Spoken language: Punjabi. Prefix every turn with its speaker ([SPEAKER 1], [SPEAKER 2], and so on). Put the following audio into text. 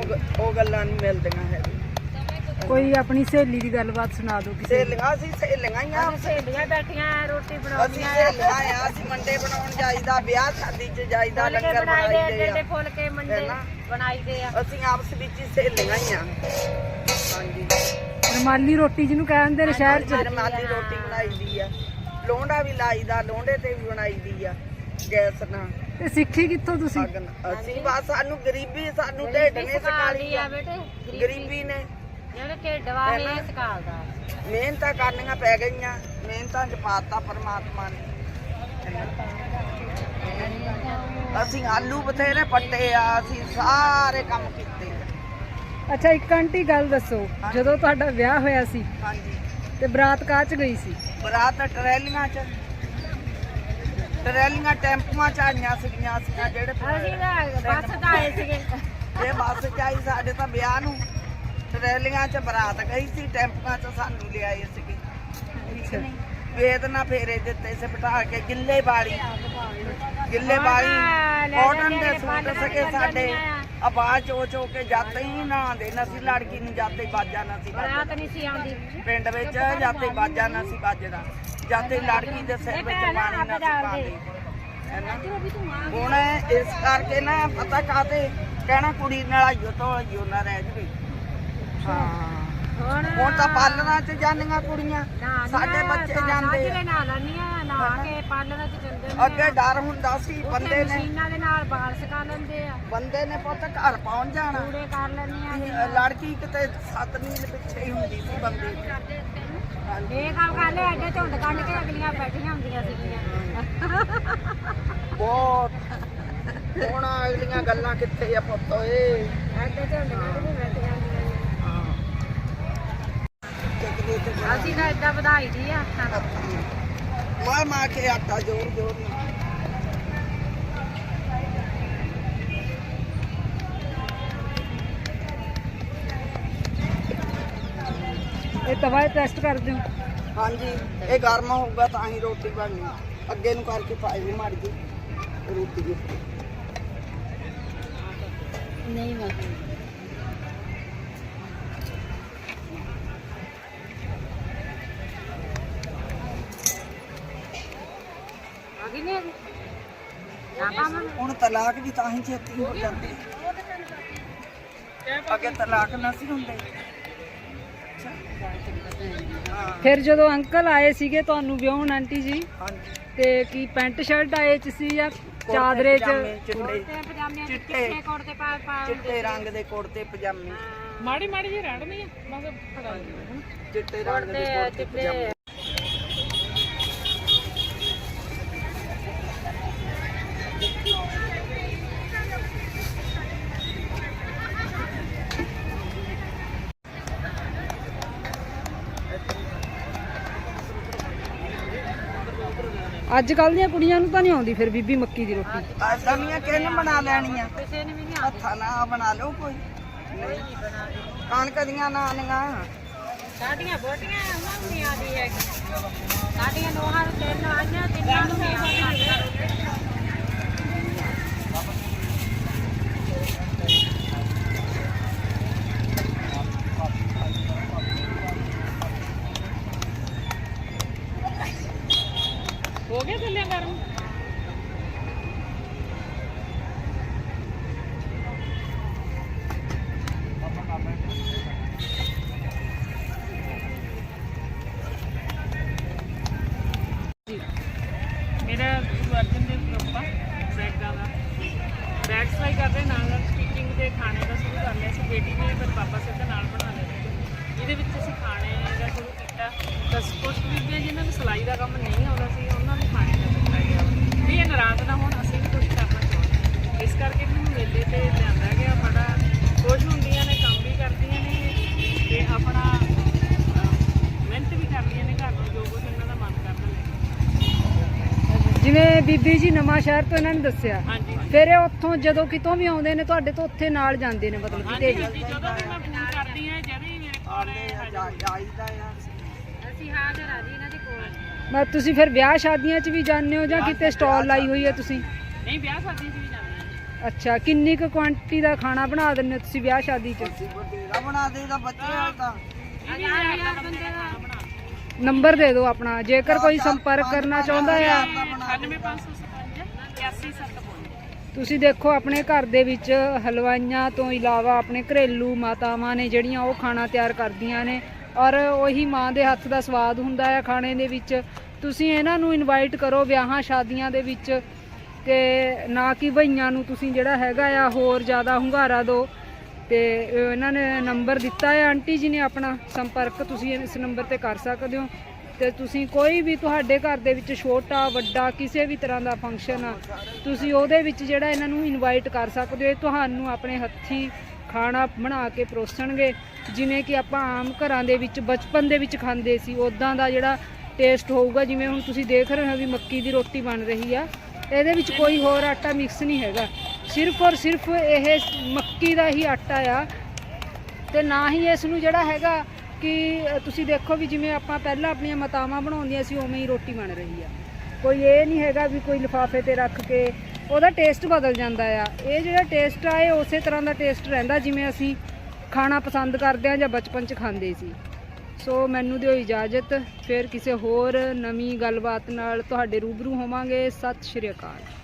[SPEAKER 1] ਉਹ ਗੱਲਾਂ ਨਹੀਂ ਮਿਲਦੀਆਂ ਹੈ।
[SPEAKER 2] ਕੋਈ ਆਪਣੀ ਸਹੇਲੀ ਦੀ ਗੱਲਬਾਤ ਸੁਣਾ ਦਿਓ ਕਿਸੇ
[SPEAKER 1] ਸਹੇਲੀਆਂ ਅਸੀਂ ਸਹੇਲੀਆਂ ਹੀ ਆ।
[SPEAKER 3] ਸਹੇਲੀਆਂ ਬੈਠੀਆਂ ਰੋਟੀ
[SPEAKER 1] ਅਸੀਂ
[SPEAKER 3] ਬਣਾਉਂਦੀਆਂ
[SPEAKER 1] ਸਹੇਲੀਆਂ ਆ। ਅਸੀਂ ਮੰਡੇ ਬਣਾਉਣ ਜਾਈਦਾ, ਵਿਆਹ ਸ਼ਾਦੀ 'ਚ ਜਾਈਦਾ, ਲੰਗਰ ਬਣਾਈਦੇ ਆ।
[SPEAKER 3] ਫੁਲਕੇ ਮੰਡੇ ਬਣਾਈਦੇ ਆ।
[SPEAKER 1] ਅਸੀਂ ਆਪਸ ਵਿੱਚ ਹੀ ਸਹੇਲੀਆਂ ਹੀ ਆ। ਹਾਂਜੀ,
[SPEAKER 2] ਰੁਮਾਲੀ ਰੋਟੀ ਜਿਹਨੂੰ ਕਹਿੰਦੇ ਨੇ ਸ਼ਹਿਰ 'ਚ।
[SPEAKER 1] ਰੁਮਾਲੀ ਰੋਟੀ ਬਣਾਈਦੀ ਆ, ਲੋਂਡਾ ਵੀ ਲਾਈਦਾ, ਲੋਂਡੇ ਤੇ ਵੀ ਬਣਾਈਦੀ ਆ ਗੈਸ ਨਾਲ।
[SPEAKER 2] ਤੇ ਸਿੱਖੀ ਕਿੱਥੋਂ ਤੁਸੀਂ?
[SPEAKER 1] ਅਸੀਂ ਬਸ ਸਾਨੂੰ ਗਰੀਬੀ, ਸਾਨੂੰ ਢਿੱਡ ਨੇ ਸਿਖਾਲੀ ਆ
[SPEAKER 3] ਬੇਟੇ,
[SPEAKER 1] ਗਰੀਬੀ ਨੇ।
[SPEAKER 3] ਜਿਹੜੇ ਢਿੱਡ ਵਾਲੇ ਸਿਖਾਲਦਾ।
[SPEAKER 1] ਮਿਹਨਤਾਂ ਕਰਨੀਆਂ ਪੈ ਗਈਆਂ, ਮਿਹਨਤਾਂ 'ਚ ਪਾਤਾ ਪਰਮਾਤਮਾ ਨੇ। ਅਸੀਂ ਆਲੂ ਬਥੇਰੇ ਪੱਟੇ ਆ, ਅਸੀਂ ਸਾਰੇ ਕੰਮ ਕੀਤੇ ਆ।
[SPEAKER 2] ਅੱਛਾ, ਇੱਕ ਆਂਟੀ ਗੱਲ ਦੱਸੋ, ਜਦੋਂ ਤੁਹਾਡਾ ਵਿਆਹ ਹੋਇਆ ਸੀ
[SPEAKER 1] ਹਾਂਜੀ,
[SPEAKER 2] ਤੇ ਬਰਾਤ ਕਾਹ 'ਚ ਗਈ ਸੀ?
[SPEAKER 1] ਬਰਾਤ ਟਰੈਲੀਆਂ 'ਚ, ਟਰੈਲੀਆਂ ਟੈਂਪੂਆਂ 'ਚ ਆਈਆਂ ਸੀਗੀਆਂ। ਅਸੀਂ ਜਿਹੜੇ
[SPEAKER 3] ਅਸੀਂ ਤਾਂ ਬੱਸ 'ਚ ਆਏ ਸੀਗੇ।
[SPEAKER 1] ਇਹ ਬੱਸ 'ਚ ਆਈ, ਸਾਡੇ ਤਾਂ ਵਿਆਹ ਨੂੰ ਟਰੈਲੀਆਂ 'ਚ ਬਰਾਤ ਗਈ ਸੀ, ਟੈਂਪੂਆਂ 'ਚ ਸਾਨੂੰ ਲਿਆਏ ਸੀਗੇ। ਠੀਕ ਨਹੀਂ, ਵੇਦਨਾ ਫੇਰੇ ਦਿੱਤੇ ਸੀ ਬਿਠਾ ਕੇ। ਗਿੱਲੇ ਬਾੜੀ ਕਾਟਨ ਦੇ ਸੂਟ ਸਕੇ ਸਾਡੇ। ਆਵਾਜ਼ ਚੋ ਕੇ ਜਾਂਦੇ ਹੀ ਨਾ ਦੇ ਨਾ ਸੀ, ਲੜਕੀ ਨੂੰ ਜਾਂਦੇ ਬਾਜਾ ਨਾ ਸੀ
[SPEAKER 3] ਬਰਾਤ ਨਹੀਂ ਸੀ ਆਉਂਦੀ
[SPEAKER 1] ਪਿੰਡ ਵਿੱਚ, ਜਾਂਦੇ ਬਾਜਾ ਨਾ ਸੀ ਵੱਜਦਾ, ਜਾਂਦੇ ਲੜਕੀ ਦੇ ਸਿਰ ਵਿੱਚ ਪਾਣੀ ਨਾ ਸੀ ਪਾਉਂਦੇ। ਹੁਣ ਇਸ ਕਰਕੇ ਨਾ ਪਤਾ ਕਾਹਤੇ ਕਹਿਣਾ ਕੁੜੀ ਨਲਾਈਓ ਧੋਈਓ ਨਾ ਰਹਿ ਜਵੇ। ਹਾਂ, ਹੁਣ ਤਾਂ ਪਾਲਣਾ 'ਚ ਜਾਂਦੀਆਂ ਕੁੜੀਆਂ, ਸਾਡੇ ਬੱਚੇ ਜਾਂਦੇ।
[SPEAKER 3] ਨਹਾ ਕੇ ਪਾਲਣਾ 'ਚ ਜਾਂਦੇ ਨੇ।
[SPEAKER 1] ਅੱਗੇ ਡਰ ਹੁੰਦਾ ਸੀ ਬੰਦੇ ਨੇ,
[SPEAKER 3] ਮਸ਼ੀਨਾਂ ਦੇ ਨਾਲ ਬਾਲ ਸਕਾ ਲੈਂਦੇ ਆ।
[SPEAKER 1] ਬੰਦੇ ਨੇ ਪੁੱਤ ਘਰ ਪਹੁੰਚ ਜਾਣਾ,
[SPEAKER 3] ਕੂੜੇ ਕਰ ਲੈਂਦੀਆਂ।
[SPEAKER 1] ਲੜਕੀ ਕਿਤੇ 7 ਮੀਲ ਪਿੱਛੇ ਹੀ ਹੁੰਦੀ ਸੀ ਬੰਦੇ ਦੀ।
[SPEAKER 3] ਇਹ ਕੰਮ ਕਰ ਲੈ, ਐਡੇ ਝੁੰਡ ਕੱਢ ਕੇ ਅਗਲੀਆਂ ਬੈਠੀਆਂ ਹੁੰਦੀਆਂ ਸੀਗੀਆਂ।
[SPEAKER 1] ਬਹੁਤ ਹੁਣ ਅਗਲੀਆਂ ਗੱਲਾਂ ਕਿੱਥੇ ਆ ਪੁੱਤ ਓਏ।
[SPEAKER 3] ਐਡੇ ਝੁੰਡ ਕੱਢ ਕੇ ਬੈਠੀਆਂ ਹੁੰਦੀਆਂ। ਅਸੀਂ ਤਾਂ ਏਦਾਂ ਵਧਾਈ ਦੀ ਆ।
[SPEAKER 1] ਮਾਰ ਕੇ ਆਟਾ ਜੋਰ ਜੋਰ ਨਾਲ।
[SPEAKER 2] ਇਹ ਤਵਾ ਟੈਸਟ ਕਰਦੇ ਹੋ?
[SPEAKER 1] ਹਾਂਜੀ, ਇਹ ਗਰਮ ਹੋਊਗਾ ਤਾਂ ਹੀ ਰੋਟੀ ਬਣਨੀ। ਅੱਗੇ ਨੂੰ ਕਰਕੇ ਪਾਈ ਵੀ ਮਾਰ ਗਈ ਰੋਟੀ ਦੀ।
[SPEAKER 3] ਨਹੀਂ ਮੈਂ ਆਗੀ ਨਹੀਂ ਆਗੀ।
[SPEAKER 1] ਹੁਣ ਤਲਾਕ ਵੀ ਤਾਂ ਹੀ ਛੇਤੀ ਹੋ ਜਾਂਦੇ, ਅੱਗੇ ਤਲਾਕ ਨਾ ਸੀ ਹੁੰਦੇ।
[SPEAKER 2] ਫਿਰ ਜਦੋਂ ਅੰਕਲ ਆਏ ਸੀਗੇ ਤੁਹਾਨੂੰ ਵਿਆਹੁਣ ਆਂਟੀ ਜੀ,
[SPEAKER 1] ਹਾਂਜੀ,
[SPEAKER 2] ਤੇ ਕੀ ਪੈਂਟ ਸ਼ਰਟ ਆਏ ਚ ਸੀ ਜਾਂ ਚਾਦਰੇ ਚ?
[SPEAKER 3] ਪਜਾਮੇ
[SPEAKER 1] ਚਿੱਟੇ ਰੰਗ ਦੇ ਕੁੜਤੇ ਪਜਾਮੇ,
[SPEAKER 2] ਮਾੜੀ ਮਾੜੀ ਜਿਹੀ ਰੜਨੀ ਆ ਬਸ ਫੜਾ
[SPEAKER 1] ਚਿੱਟੇ ਰੰਗ ਦੇ ਕੁੜਤੇ ਪਜਾਮੇ।
[SPEAKER 2] ਅੱਜ ਕੱਲ ਦੀਆਂ ਕੁੜੀਆਂ ਨੂੰ ਤਾਂ ਨਹੀਂ ਆਉਂਦੀ ਫਿਰ ਬੀਬੀ ਮੱਕੀ ਦੀ ਰੋਟੀ।
[SPEAKER 1] ਦਮੀਆਂ ਕਿਹਨੇ ਬਣਾ ਲੈਣੀਆਂ?
[SPEAKER 3] ਕਿਸੇ ਨੇ ਵੀ ਨਹੀਂ
[SPEAKER 1] ਹੱਥਾਂ ਨਾਲ ਬਣਾ ਲਓ ਕੋਈ। ਕਣਕ ਦੀਆਂ ਨਾਨੀਆਂ
[SPEAKER 3] ਸਾਡੀਆਂ ਬੋਟੀਆਂ ਉਹਨਾਂ ਨੂੰ ਨਹੀਂ ਆਉਂਦੀ ਹੈਗੀ। ਸਾਡੀਆਂ ਨੋਹਾਂ ਨੂੰ 3 ਆਈਆਂ, 3 ਨੂੰ ਨਹੀਂ ਆਉਂਦੀ।
[SPEAKER 2] ਹੋ ਗਿਆ ਚੱਲਿਆ ਕਰਨ? ਮੇਰਾ ਅਰਜਨ ਦੇ ਗਰੁੱਪ ਆ ਬੈਗਾਂ ਦਾ, ਬੈਗ ਸਿਲਾਈ ਕਰਦੇ ਨਾਲ ਸਟਿਚਿੰਗ ਦੇ ਖਾਣੇ ਦਾ ਸ਼ੁਰੂ ਕਰ ਲਿਆ ਸੀ। ਬੇਟੀ ਨੇ ਮੇਰੇ ਪਾਪਾ ਸਿਰ ਦੇ ਨਾਲ ਬਣਾ ਲਿਆ। ਇਹਦੇ ਵਿੱਚ ਅਸੀਂ ਖਾਣੇ ਦਾ ਸ਼ੁਰੂ ਕੀਤਾ। ਤਾਂ ਕੁਛ ਬੀਬੀਆਂ ਜਿਨ੍ਹਾਂ ਨੂੰ ਸਿਲਾਈ ਦਾ ਕੰਮ ਨਹੀਂ ਆਉਂਦਾ ਸੀ ਉਹਨਾਂ ਨੂੰ ਖਾਣੇ ਦਾ ਦਿੱਤਾ ਗਿਆ ਵੀ ਇਹ ਨਾਰਾਜ਼ ਨਾ ਹੋਣ, ਅਸੀਂ ਵੀ ਕੁਛ ਕਰਨਾ ਚਾਹੁੰਦੇ। ਇਸ ਕਰਕੇ ਮੈਨੂੰ ਮੇਲੇ ਤੇ ਲਿਆਂਦਾ ਗਿਆ। ਬੜਾ ਖੁਸ਼ ਹੁੰਦੀਆਂ ਨੇ, ਕੰਮ ਵੀ ਕਰਦੀਆਂ ਨੇ ਤੇ ਆਪਣਾ ਮਿਹਨਤ ਵੀ ਕਰਦੀਆਂ ਨੇ ਘਰ ਨੂੰ ਜੋ ਕੁਛ ਇਹਨਾਂ ਦਾ ਮਨ ਕਰਦਾ। ਜਿਵੇਂ ਬੀਬੀ ਜੀ ਨਵਾਂ ਸ਼ਹਿਰ ਤੋਂ ਇਹਨਾਂ ਨੇ ਦੱਸਿਆ, ਫਿਰ ਇਹ ਉੱਥੋਂ ਜਦੋਂ ਕਿਤੋਂ ਵੀ ਆਉਂਦੇ ਨੇ ਤੁਹਾਡੇ ਤੋਂ ਉੱਥੇ ਨਾਲ ਜਾਂਦੇ ਨੇ, ਮਤਲਬ ਕਿਤੇ ਵੀ? ਜਦੋਂ ਵੀ ਮੈਂ ਫੋਨ ਕਰਦੀ ਹਾਂ, ਜਦ ਵੀ ਮੇਰੇ ਕੋਲ
[SPEAKER 1] ਆਈਦਾ ਆ।
[SPEAKER 3] ਅਸੀਂ ਹਾਜ਼ਰ ਆ ਜੀ ਇਹਨਾਂ ਦੇ ਕੋਲ।
[SPEAKER 2] ਮੈਂ ਤੁਸੀਂ ਫਿਰ ਵਿਆਹ ਸ਼ਾਦੀਆਂ 'ਚ ਵੀ ਜਾਂਦੇ ਹੋ ਜਾਂ ਕਿਤੇ ਸਟਾਲ ਲਾਈ ਹੋਈ ਹੈ ਤੁਸੀਂ?
[SPEAKER 3] ਨਹੀਂ, ਵਿਆਹ ਸ਼ਾਦੀਆਂ 'ਚ ਵੀ ਜਾਂਦੇ ਹਾਂ।
[SPEAKER 4] ਅੱਛਾ, ਕਿੰਨੀ ਕੁ ਕੁਆਂਟੀਟੀ ਦਾ ਖਾਣਾ ਬਣਾ ਦਿੰਦੇ ਹੋ ਤੁਸੀਂ ਵਿਆਹ ਸ਼ਾਦੀ 'ਚ?
[SPEAKER 1] ਅਸੀਂ ਬਥੇਰਾ ਬਣਾ ਦੇਈਦਾ ਬੱਚੇ ਵਾਲ ਤਾਂ
[SPEAKER 4] ਨੰਬਰ ਦੇ ਦਿਓ ਆਪਣਾ, ਜੇਕਰ ਕੋਈ ਸੰਪਰਕ ਕਰਨਾ ਚਾਹੁੰਦਾ ਆ।
[SPEAKER 2] 98555 81755।
[SPEAKER 4] ਤੁਸੀਂ ਦੇਖੋ ਆਪਣੇ ਘਰ ਦੇ ਵਿੱਚ ਹਲਵਾਈਆਂ ਤੋਂ ਇਲਾਵਾ ਆਪਣੇ ਘਰੇਲੂ ਮਾਤਾਵਾਂ ਨੇ ਜਿਹੜੀਆਂ ਉਹ ਖਾਣਾ ਤਿਆਰ ਕਰਦੀਆਂ ਨੇ, ਔਰ ਉਹੀ ਮਾਂ ਦੇ ਹੱਥ ਦਾ ਸਵਾਦ ਹੁੰਦਾ ਹੈ ਖਾਣੇ ਦੇ ਵਿੱਚ। ਤੁਸੀਂ ਇਹਨਾਂ ਨੂੰ ਇਨਵਾਈਟ ਕਰੋ ਵਿਆਹਾਂ ਸ਼ਾਦੀਆਂ ਦੇ ਵਿੱਚ, ਤੇ ਨਾ ਕਿ ਭਈਆਂ ਨੂੰ ਤੁਸੀਂ ਜਿਹੜਾ ਹੈਗਾ ਆ ਹੋਰ ਜ਼ਿਆਦਾ ਹੁੰਗਾਰਾ ਦਿਓ। ਤੇ ਇਹਨਾਂ ਨੇ ਨੰਬਰ ਦਿੱਤਾ ਹੈ ਆਂਟੀ ਜੀ ਨੇ ਆਪਣਾ, ਸੰਪਰਕ ਤੁਸੀਂ ਇਸ ਨੰਬਰ ਤੇ ਕਰ ਸਕਦੇ ਹੋ। ਤੇ ਤੁਸੀਂ ਕੋਈ ਵੀ ਤੁਹਾਡੇ ਘਰ ਦੇ ਵਿੱਚ ਛੋਟਾ ਵੱਡਾ ਕਿਸੇ ਵੀ ਤਰ੍ਹਾਂ ਦਾ ਫੰਕਸ਼ਨ ਆ, ਤੁਸੀਂ ਉਹਦੇ ਵਿੱਚ ਜਿਹੜਾ ਇਹਨਾਂ ਨੂੰ ਇਨਵਾਈਟ ਕਰ ਸਕਦੇ ਹੋ। ਤੁਹਾਨੂੰ ਆਪਣੇ ਹੱਥੀਂ ਖਾਣਾ ਬਣਾ ਕੇ ਪਰੋਸਣਗੇ, ਜਿਵੇਂ ਕਿ ਆਪਾਂ ਆਮ ਘਰਾਂ ਦੇ ਵਿੱਚ ਬਚਪਨ ਦੇ ਵਿੱਚ ਖਾਂਦੇ ਸੀ ਉੱਦਾਂ ਦਾ ਜਿਹੜਾ ਟੇਸਟ ਹੋਊਗਾ। ਜਿਵੇਂ ਹੁਣ ਤੁਸੀਂ ਦੇਖ ਰਹੇ ਹੋ ਵੀ ਮੱਕੀ ਦੀ ਰੋਟੀ ਬਣ ਰਹੀ ਆ, ਇਹਦੇ ਵਿੱਚ ਕੋਈ ਹੋਰ ਆਟਾ ਮਿਕਸ ਨਹੀਂ ਹੈਗਾ, ਸਿਰਫ ਔਰ ਸਿਰਫ ਇਹ ਮੱਕੀ ਦਾ ਹੀ ਆਟਾ ਆ। ਤੇ ਨਾ ਹੀ ਇਸ ਨੂੰ ਜਿਹੜਾ ਹੈਗਾ ਕਿ ਤੁਸੀਂ ਦੇਖੋ ਵੀ ਜਿਵੇਂ ਆਪਾਂ ਪਹਿਲਾਂ ਆਪਣੀਆਂ ਮਾਤਾਵਾਂ ਬਣਾਉਂਦੀਆਂ ਸੀ ਉਵੇਂ ਹੀ ਰੋਟੀ ਬਣ ਰਹੀ ਆ। ਕੋਈ ਇਹ ਨਹੀਂ ਹੈਗਾ ਵੀ ਕੋਈ ਲਿਫਾਫੇ ਤੇ ਰੱਖ ਕੇ, ਉਹਦਾ ਟੇਸਟ ਬਦਲ ਜਾਂਦਾ ਆ। ਇਹ ਜਿਹੜਾ ਟੇਸਟ ਆ ਇਹ ਉਸੇ ਤਰ੍ਹਾਂ ਦਾ ਟੇਸਟ ਰਹਿੰਦਾ ਜਿਵੇਂ ਅਸੀਂ ਖਾਣਾ ਪਸੰਦ ਕਰਦੇ ਹਾਂ ਜਾਂ ਬਚਪਨ 'ਚ ਖਾਂਦੇ ਸੀ। ਸੋ ਮੈਨੂੰ ਦਿਓ ਇਜਾਜ਼ਤ, ਫਿਰ ਕਿਸੇ ਹੋਰ ਨਵੀਂ ਗੱਲਬਾਤ ਨਾਲ ਤੁਹਾਡੇ ਰੂਬਰੂ ਹੋਵਾਂਗੇ। ਸਤਿ ਸ਼੍ਰੀ ਅਕਾਲ।